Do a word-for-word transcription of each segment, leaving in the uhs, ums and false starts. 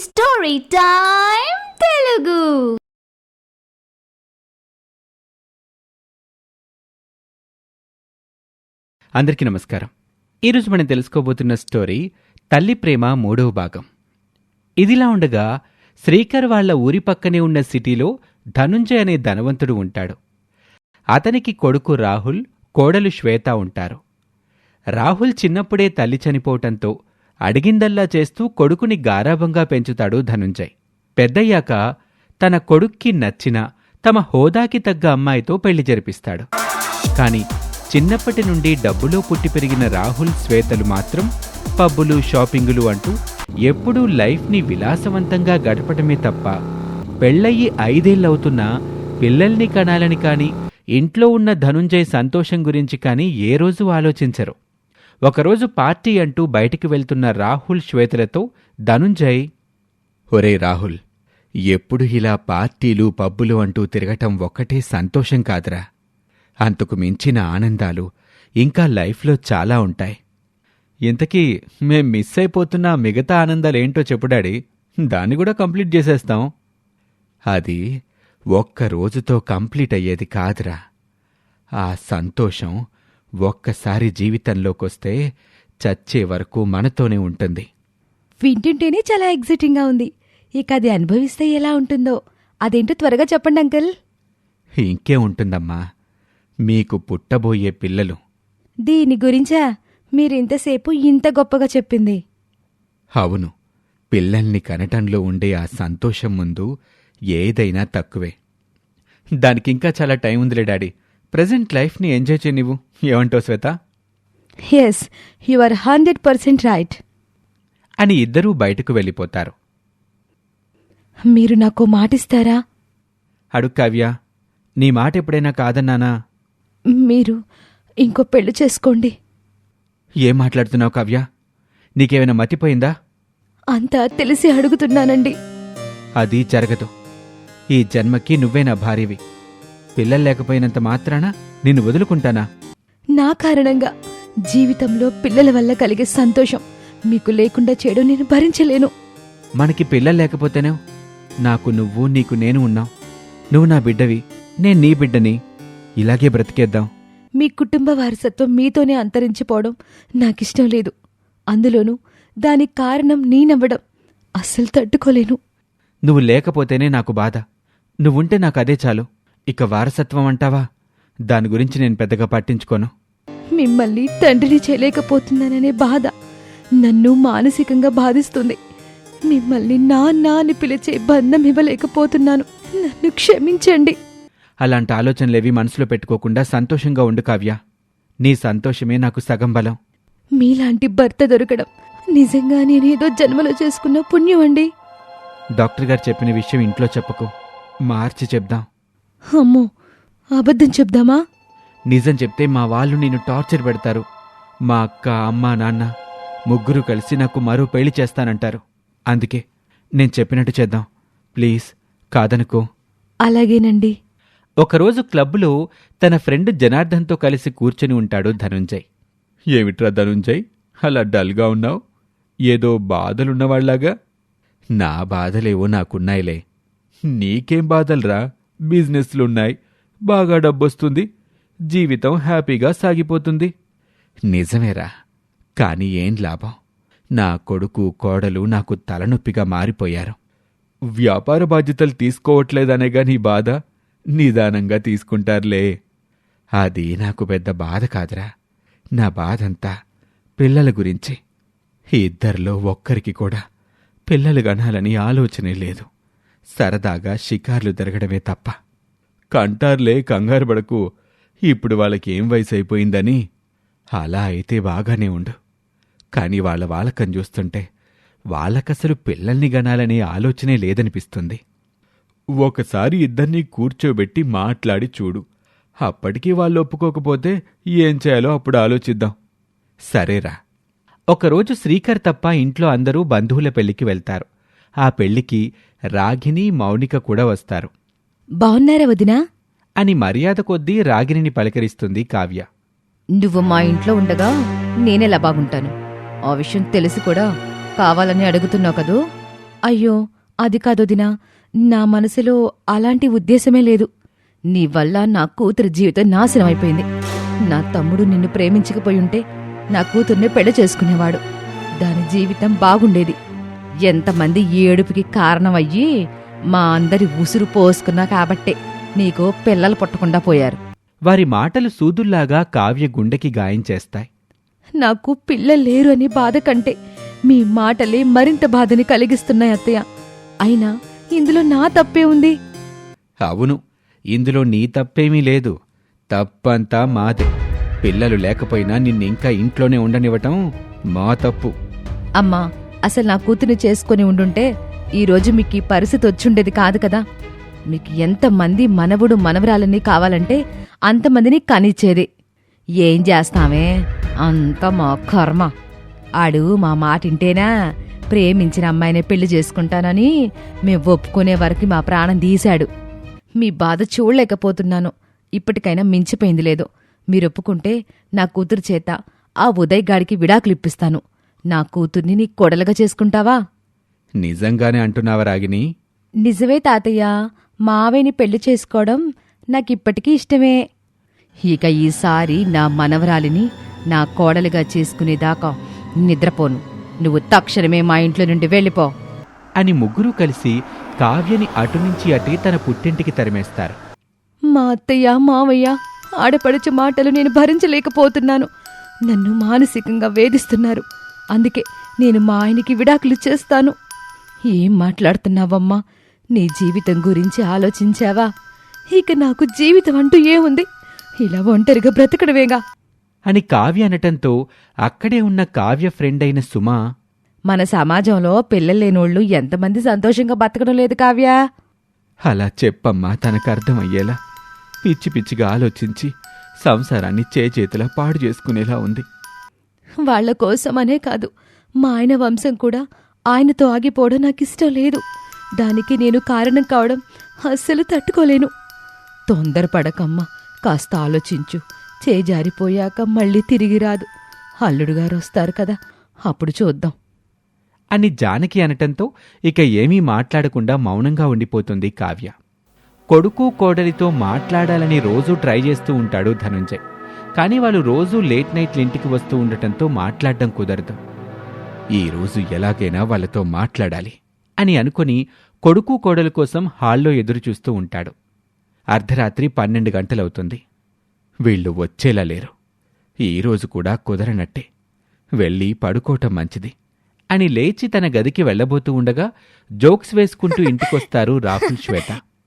Story time Telugu. అందరికీ నమస్కారం. ఈరోజు మనం తెలుసుకోబోతున్న స్టోరీ తల్లి ప్రేమ మూడవ భాగం. ఇదిలా ఉండగా శ్రీకర్ వాళ్ల ఊరి పక్కనే ఉన్న సిటీలో ధనుంజయ్ అనే ధనవంతుడు ఉంటాడు. అతనికి కొడుకు రాహుల్, కోడలు శ్వేత ఉంటారు. రాహుల్ చిన్నప్పుడే తల్లి చనిపోవటంతో అడిగిందల్లా చేస్తూ కొడుకుని గారాబంగా పెంచుతాడు ధనుంజయ్. పెద్దయ్యాక తన కొడుక్కి నచ్చిన తమ హోదాకి తగ్గ అమ్మాయితో పెళ్లి జరిపిస్తాడు. కాని చిన్నప్పటి నుండి డబ్బులో పుట్టి పెరిగిన రాహుల్, శ్వేతలు మాత్రం పబ్బులు, షాపింగులు అంటూ ఎప్పుడూ లైఫ్ని విలాసవంతంగా గడపటమే తప్ప పెళ్లయ్యి ఐదేళ్లవుతున్నా పిల్లల్ని కనాలని కాని, ఇంట్లో ఉన్న ధనుంజయ్ సంతోషం గురించి కాని ఏ రోజు ఆలోచించరు. ఒకరోజు పార్టీ అంటూ బయటికి వెళ్తున్న రాహుల్, శ్వేతలతో ధనుంజయ్, ఒరే రాహుల్, ఎప్పుడు ఇలా పార్టీలు, పబ్బులు అంటూ తిరగటం ఒక్కటే సంతోషం కాదురా. అంతకు మించిన ఆనందాలు ఇంకా లైఫ్లో చాలా ఉంటాయి. ఇంతకీ మేం మిస్ అయిపోతున్న మిగతా ఆనందాలేంటో చెప్పుడాడి, దాన్ని కూడా కంప్లీట్ చేసేస్తాం. అది ఒక్క రోజుతో కంప్లీట్ అయ్యేది కాదురా. ఆ సంతోషం ఒక్కసారి జీవితంలోకొస్తే చచ్చే వరకు మనతోనే ఉంటుంది. వింటుంటేనే చాలా ఎగ్జైటింగ్గా ఉంది. ఇక అది అనుభవిస్తే ఎలా ఉంటుందో అదేంటో త్వరగా చెప్పండి అంకుల్. ఇంకే ఉంటుందమ్మా, మీకు పుట్టబోయే పిల్లలు. దీని గురించా మీరింతసేపు ఇంత గొప్పగా చెప్పింది? అవును, పిల్లల్ని కనటంలో ఉండే ఆ సంతోషం ముందు ఏదైనా తక్కువే. దానికింకా చాలా టైం ఉందిలే డాడీ. ప్రజెంట్ లైఫ్ని ఎంజాయ్ చేయ నువ్వు. ఏమంటావు Shweta? Yes, you are hundred percent right అని ఇద్దరూ బయటకు వెళ్ళిపోతారు. మీరు నాకు మాటిస్తారా? అడుగు కావ్య, నీ మాట ఎప్పుడైనా కాదన్నానా? మీరు ఇంకో పెళ్లి చేసుకోండి. ఏం మాట్లాడుతున్నావు కావ్య? నీకేమైనా మతిపోయిందా? అంతా తెలిసి అడుగుతున్నానండి. అది జరగదు. ఈ జన్మకి నువ్వే నా భార్యవి. పిల్లలు లేకపోయినంత మాత్రాన నిన్ను వదులుకుంటానా? నా కారణంగా జీవితంలో పిల్లల వల్ల కలిగే సంతోషం మీకు లేకుండా చేయడం నేను భరించలేను. మనకి పిల్లలు లేకపోతేనే నాకు నువ్వు, నీకు నేను ఉన్నావు. నువ్వు నా బిడ్డవి, నేను నీ బిడ్డని. ఇలాగే బ్రతికేద్దాం. మీ కుటుంబ వారసత్వం మీతోనే అంతరించిపోవడం నాకిష్టం లేదు. అందులోనూ దానికి కారణం నేనవ్వడం అస్సలు తట్టుకోలేను. నువ్వు లేకపోతేనే నాకు బాధ. నువ్వుంటే నాకు అదే చాలు. ఇక వారసత్వం అంటావా? దాని గురించి నేను పెద్దగా పట్టించుకోను. మిమ్మల్ని తండ్రిని చేయలేకపోతున్నాననే బాధ నన్ను మానసికంగా బాధిస్తుంది. మిమ్మల్ని నాన్న అని పిలిచే బంధం ఇవ్వలేకపోతున్నాను. నన్ను క్షమించండి. అలాంటి ఆలోచనలేవి మనసులో పెట్టుకోకుండా సంతోషంగా ఉండు కావ్య. నీ సంతోషమే నాకు సగం బలం. మీలాంటి భర్త దొరకడం నిజంగా నేనేదో జన్మలో చేసుకున్న పుణ్యం అండి. డాక్టర్ గారు చెప్పిన విషయం ఇంట్లో చెప్పకు, మార్చి చెప్దాం. అమ్మో, అబద్ధం చెప్దామా? నిజం చెప్తే మా వాళ్ళు నిన్ను టార్చర్ పెడతారు. మా అక్క, అమ్మ, నాన్న ముగ్గురు కలిసి నాకు మరో పెళ్లి చేస్తానంటారు. అందుకే నేను చెప్పినట్టు చేద్దాం. ప్లీజ్, కాదనుకో. అలాగేనండి. ఒకరోజు క్లబ్లో తన ఫ్రెండ్ జనార్దన్తో కలిసి కూర్చొని ఉంటాడు ధనుంజయ్. ఏమిట్రా ధనుంజయ్, అలా డల్గా ఉన్నావు? ఏదో బాధలున్నవాళ్లాగా. నా బాధలేవో నాకున్నాయిలే. నీకేం బాధలరా? బిజినెస్లున్నాయి, బాగా డబ్బొస్తుంది, జీవితం హ్యాపీగా సాగిపోతుంది. నిజమేరా, కాని ఏం లాభం? నా కొడుకు, కోడలు నాకు తలనొప్పిగా మారిపోయారు. వ్యాపార బాధ్యతలు తీసుకోవట్లేదనేగా నీ బాధ. నిదానంగా తీసుకుంటారులే. అది నాకు పెద్ద బాధ కాదురా. నా బాధంతా పిల్లల గురించి. ఇద్దరిలో ఒక్కరికి కూడా పిల్లలు గనాలని ఆలోచనే లేదు. సరదాగా షికార్లు తిరగడమే తప్ప. కంటార్లే, కంగారు పడకు. ఇప్పుడు వాళ్ళకేం వయసు అయిపోయిందని. అలా అయితే బాగానే ఉండు. కాని వాళ్ళ వాలకం చూస్తుంటే వాళ్ళకసలు పిల్లల్ని గనాలనే ఆలోచనే లేదనిపిస్తుంది. ఒకసారి ఇద్దరినీ కూర్చోబెట్టి మాట్లాడి చూడు. అప్పటికీ వాళ్ళు ఒప్పుకోకపోతే ఏం చేయాలో అప్పుడు ఆలోచిద్దాం. సరేరా. ఒకరోజు శ్రీకర్ తప్ప ఇంట్లో అందరూ బంధువుల పెళ్లికి వెళ్తారు. ఆ పెళ్లికి రాగిని, మౌనిక కూడా వస్తారు. బావున్నారా వదినా? అని మర్యాద కొద్దీ రాగిణిని పలకరిస్తుంది కావ్య. నువ్వు మా ఇంట్లో ఉండగా నేనెలా బాగుంటాను? ఆ విషయం తెలిసి కూడా కావాలని అడుగుతున్నావు కదూ? అయ్యో అది కాదొదినా, నా మనసులో అలాంటి ఉద్దేశమే లేదు. నీ వల్ల నా కూతురు జీవితం నాశనం అయిపోయింది. నా తమ్ముడు నిన్ను ప్రేమించకపోయుంటే నా కూతుర్ని పెళ్లి చేసుకునేవాడు. దాని జీవితం బాగుండేది. ఎంతమంది ఏడుపుకి కారణమయ్యి మా అందరి ఉసురు పోసుకున్నా కాబట్టే నీకు పిల్లలు పుట్టకుండా పోయారు. వారి మాటలు సూదుల్లాగా కావ్య గుండెకి గాయం చేస్తాయి. నాకు పిల్లలు లేరు అని బాధ కంటే మీ మాటలే మరింత బాధని కలిగిస్తున్నాయి అత్తయ్య. అయినా ఇందులో నా తప్పే ఉంది. అవును, ఇందులో నీ తప్పేమీ లేదు. తప్పంతా మాదే. పిల్లలు లేకపోయినా నిన్నింకా ఇంట్లోనే ఉండనివ్వటం మా తప్పు. అమ్మా, అసలు నా కూతుర్ని చేసుకుని ఉండుంటే ఈరోజు మీకు ఈ పరిస్థితి వచ్చుండేది కాదు కదా. మీకు ఎంతమంది మనవుడు మనవరాలని కావాలంటే అంతమందిని కనిచ్చేది. ఏం చేస్తామే, అంత మా కర్మ. ఆడు మా మాటింటేనా ప్రేమించిన అమ్మాయినే పెళ్లి చేసుకుంటానని మేం ఒప్పుకునే వరకు మా ప్రాణం తీశాడు. మీ బాధ చూడలేకపోతున్నాను. ఇప్పటికైనా మించిపోయింది లేదు. మీరొప్పుకుంటే నా కూతురు చేత ఆ ఉదయ్ గాడికి విడాకులిప్పిస్తాను. నా కూతుర్ని నీ కొడలుగా చేసుకుంటావా? నిజంగానే అంటున్నావా రాగిని? నిజమే తాతయ్య. మావయ్యని పెళ్లి చేసుకోవడం నాకిప్పటికీ ఇష్టమే. ఇక ఈసారి నా మనవరాలిని నా కోడలుగా చేసుకునేదాకా నిద్రపోను. నువ్వు తక్షణమే మా ఇంట్లో నుండి వెళ్ళిపో అని ముగ్గురూ కలిసి కావ్యని అటునుంచి అటే తన పుట్టింటికి తరిమేస్తారు. మా అత్తయ్య మావయ్య ఆడపడుచు మాటలు నేను భరించలేకపోతున్నాను. నన్ను మానసికంగా వేధిస్తున్నారు. అందుకే నేను మా ఆయనకి విడాకులు చేస్తాను. ఏం మాట్లాడుతున్నావమ్మా? నీ జీవితం గురించి ఆలోచించావా? ఇక నాకు జీవితం అంటూ ఏముంది? ఇలా ఒంటరిగా బ్రతకడమేగా అని కావ్య అనటంతో అక్కడే ఉన్న కావ్య ఫ్రెండ్ అయిన సుమా, మన సమాజంలో పిల్లలేనోళ్లు ఎంతమంది సంతోషంగా బతకడం లేదు కావ్య. అలా చెప్పమ్మా తనకర్థమయ్యేలా. పిచ్చి పిచ్చిగా ఆలోచించి సంసారాన్ని చేచేతులా పాడు చేసుకునేలా ఉంది. వాళ్ల కోసమనే కాదు, మా ఆయన వంశం కూడా ఆయనతో ఆగిపోవడం నాకిష్టం లేదు. దానికి నేను కారణం కావడం అస్సలు తట్టుకోలేను. తొందరపడకమ్మా, కాస్త ఆలోచించు. చేజారిపోయాక మళ్ళీ తిరిగి రాదు. అల్లుడుగారు వస్తారు కదా, అప్పుడు చూద్దాం అని జానకి అనటంతో ఇక ఏమీ మాట్లాడకుండా మౌనంగా ఉండిపోతుంది కావ్య. కొడుకు కోడలితో మాట్లాడాలని రోజూ ట్రై చేస్తూ ఉంటాడు ధనుంజయ్. కానీ వాళ్ళు రోజూ లేట్ నైట్లు ఇంటికి వస్తూ ఉండటంతో మాట్లాడడం కుదరదు. ఈరోజు ఎలాగైనా వాళ్ళతో మాట్లాడాలి అని అనుకుని కొడుకు కోడలు కోసం హాల్లో ఎదురుచూస్తూ ఉంటాడు. అర్ధరాత్రి పన్నెండు గంటలవుతుంది. వీళ్ళు వచ్చేలా లేరు. ఈరోజు కూడా కుదరనట్టే. వెళ్ళి పడుకోవటం మంచిది అని లేచి తన గదికి వెళ్లబోతూ ఉండగా జోక్స్ వేసుకుంటూ ఇంటికొస్తారు రాహుల్, శ్వేత.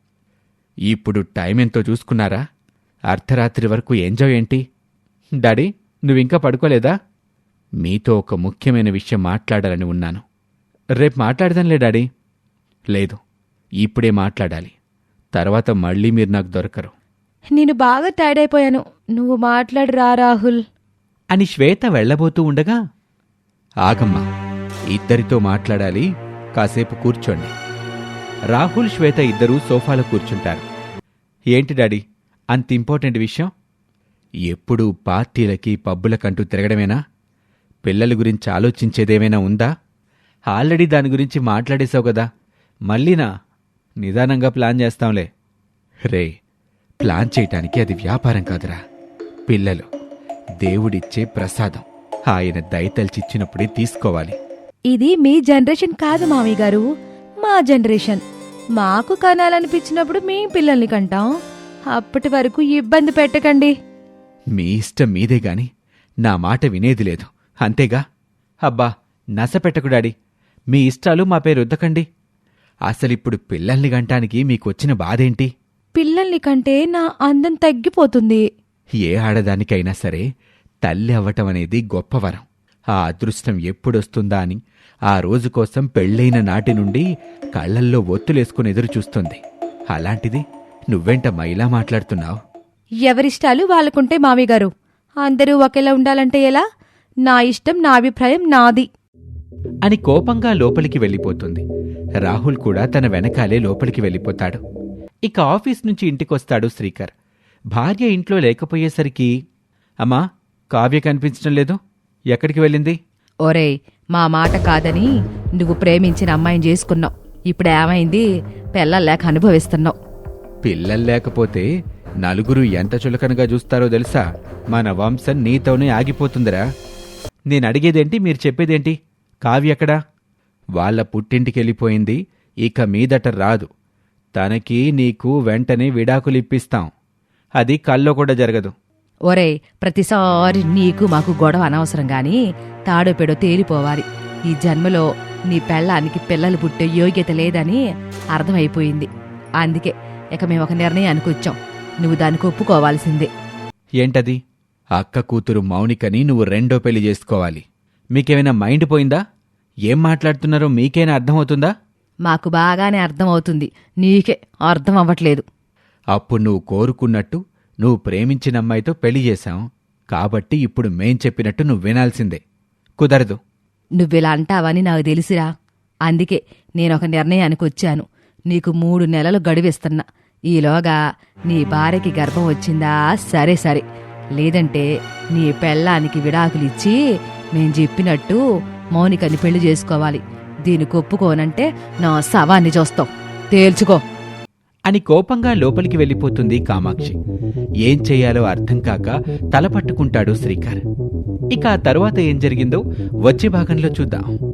ఇప్పుడు టైం ఎంతో చూసుకున్నారా? అర్ధరాత్రి వరకు ఎంజాయ్ ఏంటి? డాడీ, నువ్వింకా పడుకోలేదా? మీతో ఒక ముఖ్యమైన విషయం మాట్లాడాలని ఉన్నాను. రేపు మాట్లాడదాంలే డాడీ. లేదు, ఇప్పుడే మాట్లాడాలి. తర్వాత మళ్ళీ మీరు నాకు దొరకరు. నేను బాగా టైర్డ్ అయిపోయాను. నువ్వు మాట్లాడరా రాహుల్ అని శ్వేత వెళ్లబోతూ ఉండగా, ఆగమ్మా, ఇద్దరితో మాట్లాడాలి, కాసేపు కూర్చోండి. రాహుల్, శ్వేత ఇద్దరూ సోఫాలో కూర్చుంటారు. ఏంటి డాడీ, అంత ఇంపార్టెంట్ విషయం? ఎప్పుడూ పార్టీలకి పబ్బులకంటూ తిరగడమేనా? పిల్లల గురించి ఆలోచించేదేమైనా ఉందా? ఆల్రెడీ దాని గురించి మాట్లాడేశావు కదా, మళ్ళీనా? నిదానంగా ప్లాన్ చేస్తాంలే. రే, ప్లాన్ చేయటానికి అది వ్యాపారం కాదురా. పిల్లలు దేవుడిచ్చే ప్రసాదం. ఆయన దయతల్చిచ్చినప్పుడే తీసుకోవాలి. ఇది మీ జనరేషన్ కాదు మామయ్య గారు, మా జనరేషన్. మాకు కనాలనిపించినప్పుడు మేం పిల్లల్ని కంటాం. అప్పటి వరకు ఇబ్బంది పెట్టకండి. మీ ఇష్టం మీదే గాని నా మాట వినేది లేదు, అంతేగా? అబ్బా, నసపెట్టకు డాడీ. మీ ఇష్టాలు మాపై రుద్దకండి. అసలిప్పుడు పిల్లల్ని గంటానికి మీకొచ్చిన బాధేంటి? పిల్లల్ని కంటే నా అందం తగ్గిపోతుంది. ఏ ఆడదానికైనా సరే తల్లి అవ్వటం అనేది గొప్పవరం. ఆ అదృష్టం ఎప్పుడొస్తుందా అని ఆ రోజు కోసం పెళ్ళైన నాటి నుండి కళ్లల్లో ఒత్తులేసుకుని ఎదురుచూస్తుంది. అలాంటిది నువ్వెంటమ్మా ఇలా మాట్లాడుతున్నావు? ఎవరిష్టాలు వాళ్ళకుంటే మామయ్య గారు. అందరూ ఒకేలా ఉండాలంటే ఎలా? నా ఇష్టం, నా అభిప్రాయం నాది అని కోపంగా లోపలికి వెళ్ళిపోతుంది. రాహుల్ కూడా తన వెనకాలే లోపలికి వెళ్ళిపోతాడు. ఇక ఆఫీస్ నుంచి ఇంటికొస్తాడు శ్రీకర్. భార్య ఇంట్లో లేకపోయేసరికి, అమ్మా, కావ్య కనిపించడం లేదు, ఎక్కడికి వెళ్ళింది? ఒరేయ్, మా మాట కాదని నువ్వు ప్రేమించిన అమ్మాయిని చేసుకున్నావు. ఇప్పుడు ఏమైంది? పిల్లలు లేక అనుభవిస్తున్నావు. పిల్లలు లేకపోతే నలుగురు ఎంత చులకనగా చూస్తారో తెలుసా? మన వంశం నీతోనే ఆగిపోతుందిరా. నేను అడిగేదేంటి, మీరు చెప్పేదేంటి? కావ్య ఎక్కడా? వాళ్ళ పుట్టింటికెళ్ళిపోయింది, ఇక మీదట రాదు. తనకి నీకు వెంటనే విడాకులిప్పిస్తాం. అది కల్లో కూడా జరగదు. ఒరే, ప్రతిసారి నీకు మాకు గొడవ అనవసరం గాని తాడో పెడో తేలిపోవాలి. ఈ జన్మలో నీ పెళ్ళానికి పిల్లలు పుట్టే యోగ్యత లేదని అర్థమైపోయింది. అందుకే ఇక మేము ఒక నిర్ణయానికి వచ్చాం. నువ్వు దానికి ఒప్పుకోవాల్సిందే. ఏంటది? అక్క కూతురు మౌనికని నువ్వు రెండో పెళ్లి చేసుకోవాలి. మీకేమైనా మైండ్ పోయిందా? ఏం మాట్లాడుతున్నారో మీకైనా అర్థమవుతుందా? మాకు బాగానే అర్థమవుతుంది, నీకే అర్థం అవ్వట్లేదు. అప్పుడు నువ్వు కోరుకున్నట్టు నువ్వు ప్రేమించిన అమ్మాయితో పెళ్లి చేశాం కాబట్టి ఇప్పుడు మేం చెప్పినట్టు నువ్వు వినాల్సిందే. కుదరదు. నువ్విలా అంటావని నాకు తెలిసిరా. అందుకే నేనొక నిర్ణయానికి వచ్చాను. నీకు మూడు నెలలు గడువిస్తున్నా. ఈలోగా నీ భార్యకి గర్భం వచ్చిందా సరే సరే, లేదంటే నీ పెళ్ళానికి విడాకులిచ్చి మేం చెప్పినట్టు మౌనికని పెళ్లి చేసుకోవాలి. దీనికి ఒప్పుకోనంటే నా శవాన్ని చూస్తాం, తేల్చుకో అని కోపంగా లోపలికి వెళ్ళిపోతుంది కామాక్షి. ఏం చెయ్యాలో అర్థం కాక తల పట్టుకుంటాడు శ్రీకర్. ఇక ఆ తరువాత ఏం జరిగిందో వచ్చే భాగంలో చూద్దాం.